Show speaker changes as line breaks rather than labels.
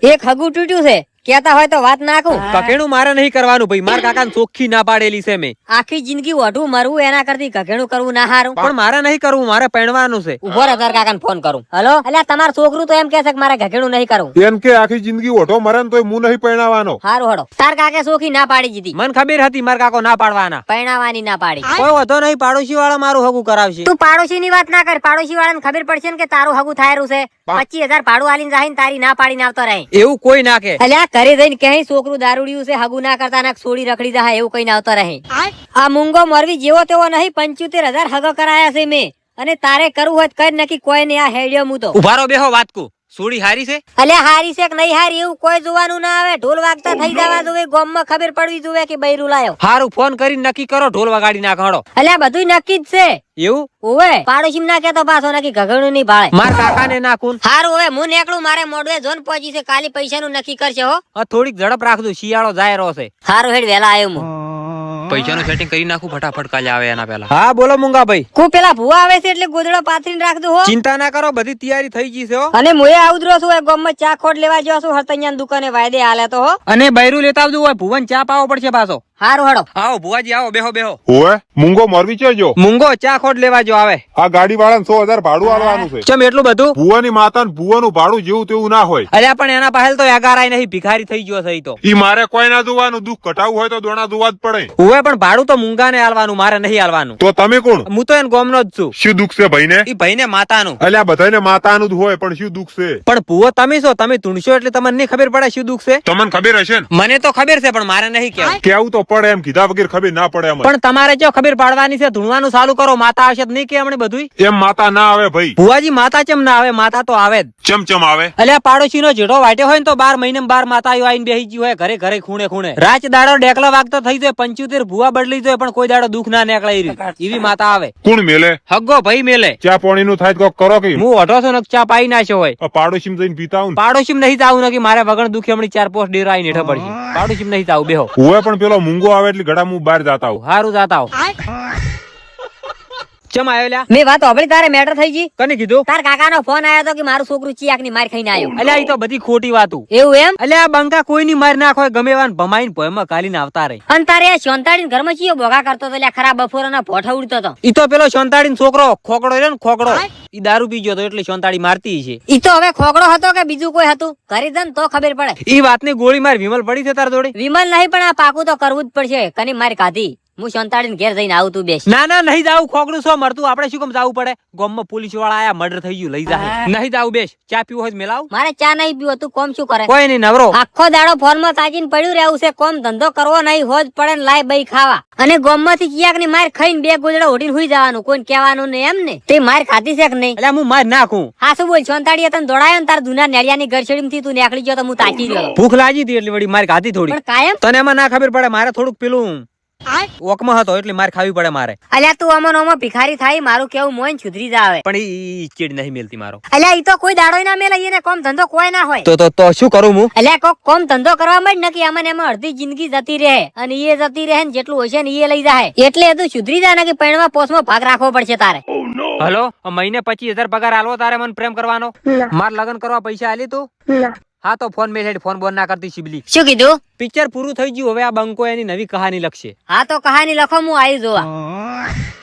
એક હગું તૂટ્યું છે, કેતા હોય તો વાત નાખું.
કકેણું મારે નહીં કરવાનું ભાઈ, મારા કાકા ચોખ્ખી ના પાડેલી છે મેં.
આખી જિંદગી ઓઢું મરવું એના કરતી કઘેણું કરવું ના હારું.
પણ મારે નહીં કરવું, મારે પહેણવાનું છે.
ઉભો રહે, તાર કાકાને ફોન કરું. હલો, અલ્યા તમારું છોકરું તો એમ કે છે કે મારે ઘઘેણું નહીં કરવું.
એમ કે આખી જિંદગી ઓઢો મરે ને તોય હું નહીં પરણાવવાનો.
હારું હડો. તાર કાકે સોખી ના પાડી દીધી.
મને ખબર હતી મારા કાકો ના પાડવાના.
પરણાવાની ના પાડી.
કોઈ વધો નહીં, પાડોશી વાળા મારું હગું કરાવશે.
તું પાડોશી ની વાત ના કર. પાડોશી વાળાને ખબર પડશે ને કે તારું હગું થાયરું છે. 25,000 ભાડું આલીને જાહીને તારી ના પાડીને આવતો રહે.
એવું કોઈ ના કે.
અલ્યા ઘરે જઈને કહે છોકરું દારૂડિયું છે, હગું ના કરતા ના છોડી રખડી જાય એવું કઈ આવતો રહે. આ મૂંગો મરવી જેવો તેવો નહીં, 75,000 હગો કરાયા છે મેં. અને તારે કરવું હોય તો કર નક્કી, કોઈ ને આ હેડ્યો હું તો.
ઉભારો બેહો વાત કો. સોડી હારી છે?
અલ્યા હારી છે કે નહીં હારી એવું કોઈ જોવાનું ના આવે. ઢોલ વાગતા થઈ જવા જોવે, ગામમાં ખબર પડવી જોવે કે બૈરું લાયો.
હારું ફોન કરીને નક્કી કરો, ઢોલ વગાડી નાખો.
અલ્યા બધું નક્કી જ છે.
એવું?
ઓવે પાડોશી ના કેતો પાછો નક્કી ઘઘણું નહીં ભાળે.
માર કાકા ને નાખું.
હારું હવે હું નીકળું, મારે મોડવે જોન પહોંચી છે. કાલી પૈસાનું નક્કી કરશે હો.
થોડીક ઝડપ રાખજો, શિયાળો જાય રહ્યો છે.
હારું હેડ વેલા આવ્યો હું.
પૈસાનું સેટિંગ કરી નાખું ફટાફટ, કાલે આવે એના પહેલા. હા બોલો મુંગા ભાઈ.
કુ પેલા ભૂવા આવે છે એટલે ગોદડો પાથરીને રાખજો હો.
ચિંતા ના કરો, બધી તૈયારી થઈ ગઈ છે હો.
અને મુએ આવદરો છું, એ ગામમાં ચા ખોટ લેવા જો છું, હરતૈયાની દુકાને વાયદે હાલે તો હો.
અને બૈરું લેતા આવજો, હોય ભુવન ચા પાવો પડશે પાછો.
હારું હડો.
આવો ભુવાજી આવો, બેહો બેહો.
ઓએ મૂંગો મોરવી ચેજો.
મુંગો ચા ખોટ લેવા જો આવે.
આ ગાડી વાળાને 100,000 ભાડું આલવાનું છે.
ચમ એટલું બધું?
ભુવાની માતા ને ભુવાનું ભાડું જેવું તેવું ના હોય.
અલ્યા પણ એના પાસે તો એગારાય નહીં, ભિખારી થઈ ગયો છે ઈ તો.
ઈ મારે કોઈ ના જોવાનું, દુઃખ કટાવું હોય તો દોણા જોવા જ પડે.
હોય પણ ભાડું તો મુંગાને આલવાનું, મારે નહીં આલવાનું.
તો તમે કોણ?
હું તો એને ગોમનો જ છું.
શું દુઃખ છે ભાઈને?
ઈ ભાઈને માતાનું.
અલ્યા બધાને માતાનું જ હોય, પણ શું દુઃખ છે?
પણ ભુવો તમે છો, તમે ધૂણશો એટલે તમને નહીં ખબર પડે શું દુઃખ છે.
તમને ખબર હશે ને?
મને તો ખબર છે પણ મારે નહીં કેવું.
કેવું તો પડે, એમ કીધા વગર ખબર ના પડે. એમ
પણ તમારે જો ખબર પાડવાની છે, ધૂણવાનું ચાલુ કરો. માતા આવશે તો નહીં કે હમણે બધું.
એમ માતા ના આવે ભાઈ.
ભુવાજી માતા ચમ ના આવે? માતા તો આવે જ.
ચમચમ આવે.
અલ્યા પાડોશી નો જેઠો વાટ્યો હોય ને તો 12 મહિને 12 માતાઓ આવીને બેસી ગઈ હોય ઘરે ઘરે, ખૂણે ખૂણે. રાત દાડો ડેકલા વાગતો થઈ જાય, 75 ભુવા બદલી જાય, પણ કોઈ દાડો દુઃખ ના નીકળે એવી માતા આવે.
કોણ મેલે?
હગ્ગો ભાઈ મેલે.
ચા પાણી નું થાય તો કરો કે
હું ઓઢો છો ને ચા પાઈ નાખ્યો હોય.
પાડોશી જઈને પીતા હું.
પાડોશી નહીં જાવું નથી, મારે વગણ દુખી હમણાં 4 પોસ્ટ ડેરા આવીને હેઠળ પડશે. પાડોશી નહીં જાવું, બેહો.
હું પણ પેલો મૂંગો આવે એટલે ઘડા હું બહાર જાતા હું.
હારું જાતા આવ. ચમ આયો લ્યા?
મેં વાત સાંભળી, તારે મેટર થઈ ગઈ.
કને કીધું?
તાર કાકાનો ફોન આવ્યો તો કે મારું છોકરું ચિયાક ની માર ખાઈને આવ્યો.
અલ્યા ઈ તો બધી ખોટી વાતું.
એવું એમ?
અલ્યા બંકા કોઈની માર નાખો, ગમે એવાને ભમાઈને ભોયમાં કાલીને આવતા રહે.
અને તારે શોંતાડીને ઘરમાં ચિયો ભોગા કરતો તો, લ્યા ખરા બફોરના ભોઠા ઉડતો તો.
ઈ તો પેલો શોંતાડીનો છોકરો ખોકડો રહ્યો ને, ખોકડો ઈ દારૂ પી ગયો તો એટલે શોંતાડી મારતી છે.
ઈ તો હવે ખોકડો હતો કે બીજું કોઈ હતું? કરી દે ને તો ખબર પડે.
ઈ વાતની ગોળી માર વિમલ પડી છે તાર જોડે?
વિમલ નહીં, પણ આ પાકું તો કરવું જ પડશે. કની મારી કાઢી. હું શોંતાડીને ઘેર જઈને આવું, તું બેસ.
ના ના નહીં જાવું, ખોકડું શું મરતું, આપણે શું કેમ જાવું પડે? ગામમાં પોલીસ વાળા આયા, મર્ડર થઈ ગયું, લઈ જાય. નહીં જાવું, બેસ. ચા પીવું હોય મેલાવ.
મારે ચા નહીં પીવો, તું કોમ શું કરે?
કોઈ નહીં, નવરો.
આખો દાડો ફોનમાં તાકીને પડ્યું રહેવું છે. કોમ ધંધો કરવો નહીં, હોજ પડે ને લાય બઈ ખાવા. અને ગોમમાંથી કિયાક ની માર ખાઈને 2 ગોદડા ઓઢીને હુઈ જવાનું, કોઈ કહેવાનું નહીં. એમ ને તે માર ખાધી છે કે નહીં?
એટલે હું માર નાખું.
હા શું બોલ? શોંતાડીએ તને દોડાયો ને તાર જૂના નેડિયાની ગરછડીમાંથી તું નીકળી ગયો તો હું તાકી ગયો.
ભૂખ લાગી હતી એટલે વળી માર ખાધી થોડી.
પણ કાયમ
તને એમાં ના ખબર પડે, મારે થોડુંક પેલું ઓકમાં હતો એટલે માર ખાવી પડે મારે.
અલ્યા તું અમન ઓમાં ભિખારી થાય, મારું કેવું મોન સુધરી જાવે.
પણ ઈ ચીડ નહીં મેલતી મારો.
અલ્યા ઈ તો કોઈ દાડો ના મેલે, એને કોમ ધંધો કોઈ ના હોય.
તો શું કરું હું?
અલ્યા કોક કોમ ધંધો કરવા માં જ નકી અમને એમાં અડધી જિંદગી જતી રહે, અને એ જતી રહે ને જેટલું હશે ને એ લઈ જાય. એટલે તું સુધરી જાય ને કે પૈણવા પોસમાં ભાગ રાખવો પડશે તારે.
હલો, મહિને 25,000 પગાર આલવો તારે મને પ્રેમ કરવાનો? માર લગન કરવા પૈસા આલી તું? હા તો ફોન મેસેજ ફોન બોન ના કરતી શિબલી.
શું કીધું?
પિક્ચર પૂરું થઈ ગયું, હવે આ બંકો એની નવી કહાની લખશે.
હા તો કહાની લખો, હું આવી જોવા.